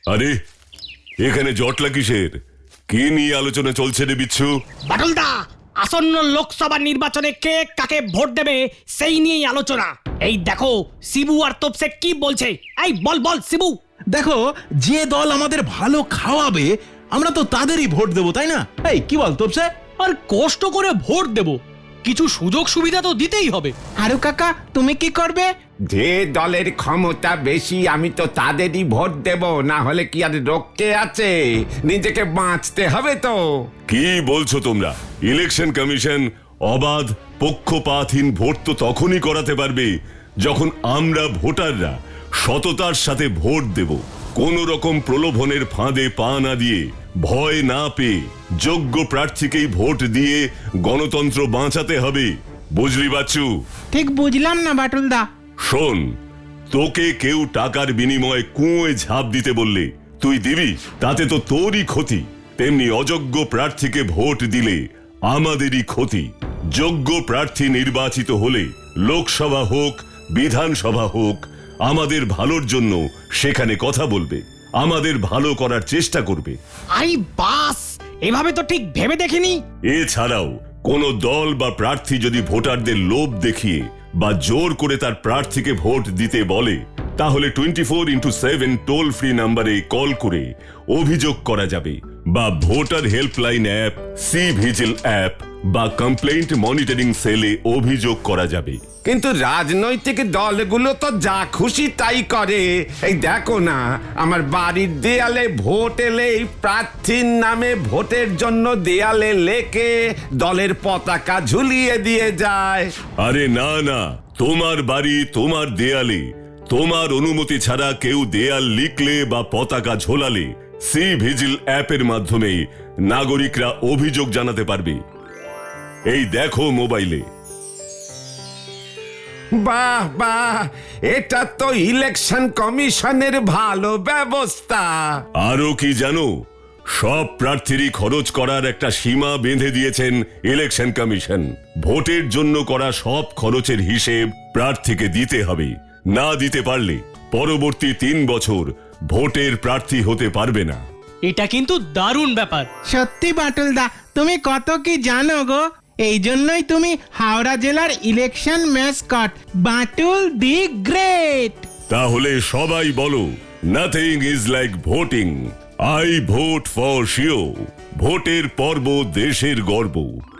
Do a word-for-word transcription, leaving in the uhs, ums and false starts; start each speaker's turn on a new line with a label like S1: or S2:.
S1: আরে এখানে জটলা কিসের? কি নিয়ে আলোচনা চলছে রে বিচ্ছু?
S2: বাটুলদা, আসন্ন লোকসভা নির্বাচনে কে কাকে ভোট দেবে সেই নিয়েই আলোচনা। এই দেখো শিবু আর তোপসে কি বলছে। এই বল বল শিবু।
S3: দেখো, যে দল আমাদের ভালো খাওয়াবে আমরা তো তাদেরই ভোট দেবো, তাই না? এই কি বল তোপসে?
S4: আর কষ্ট করে ভোট দেব, কিছু সুযোগ সুবিধা তো দিতেই হবে।
S5: আরু কাকা, তুমি কি করবে?
S6: যে দলের ক্ষমতা বেশি আমি তো তাদেরই ভোট দেব, না হলে কি আর রক্ষে আছে? নিজেকে বাঁচতে হবে তো।
S1: কি বলছো তোমরা? ইলেকশন কমিশন অবাধ পক্ষপাতহীন ভোট তো তখনই করাতে পারবে যখন আমরা ভোটাররা সততার সাথে ভোট দেব। কোন রকম প্রলোভনের ফাঁদে পা না দিয়ে, ভয় না পেয়ে যোগ্য প্রার্থীকেই ভোট দিয়ে গণতন্ত্র বাঁচাতে হবে। বুঝলি বাচ্চু?
S5: ঠিক বুঝলাম না বাটুলদা।
S1: শোন, তোকে কেউ টাকার বিনিময়ে কুঁয়োয় ঝাঁপ দিতে বললে তুই দিবি? তাতে তো তোরই ক্ষতি। তেমনি অযোগ্য প্রার্থীকে ভোট দিলে আমাদেরই ক্ষতি। যোগ্য প্রার্থী নির্বাচিত হলে লোকসভা হোক বিধানসভা হোক আমাদের ভালোর জন্য সেখানে কথা বলবে, আমাদের ভালো করার চেষ্টা করবে।
S2: আই বাস, এভাবে তো ঠিক ভেবে দেখিনি।
S1: এছাড়াও কোন দল বা প্রার্থী যদি ভোটারদের লোভ দেখিয়ে বা জোর করে তার প্রার্থীকে ভোট দিতে বলে, তাহলে twenty four into seven toll free নাম্বারে কল করে অভিযোগ করা যাবে, বা voter helpline app, C vigil app বা কমপ্লেন্ট মনিটরিং সেলে অভিযোগ করা যাবে।
S6: কিন্তু রাজনৈতিক দলগুলো তো যা খুশি তাই করে। এই দেখো না, আমার বাড়ির দেয়ালে ভোট এলেই প্রার্থীর নামে ভোটের জন্য দেয়ালে লেখে দলের পতাকা ঝুলিয়ে দিয়ে যায়।
S1: আরে না না, তোমার বাড়ি তোমার দেয়ালে তোমার অনুমতি ছাড়া কেউ দেয়াল লিখলে বা পতাকা ঝোলালে সি ভিজিল অ্যাপের মাধ্যমে নাগরিকরা অভিযোগ জানাতে পারবে। এই দেখো মোবাইলে।
S6: বাহ বাহ, এটা তো ইলেকশন কমিশনের ভালো ব্যবস্থা।
S1: আরো কি জানো? সব প্রার্থীরই খরচ করার একটা সীমা বেঁধে দিয়েছেন ইলেকশন কমিশন। ভোটের জন্য করা সব খরচের হিসেব প্রার্থীকে দিতে হবে। না দিতে পারলে পরবর্তী তিন বছর ভোটের প্রার্থী হতে পারবে না।
S4: এটা কিন্তু দারুণ ব্যাপার।
S5: সত্যি বাটুলদা, তুমি কত কি জানো গো। এই জন্যই তুমি হাওড়া জেলার election mascot, Batul the great.
S1: তাহলে সবাই বলো, nothing is like voting. I vote for sure. ভোটের পর্ব দেশের গর্ব।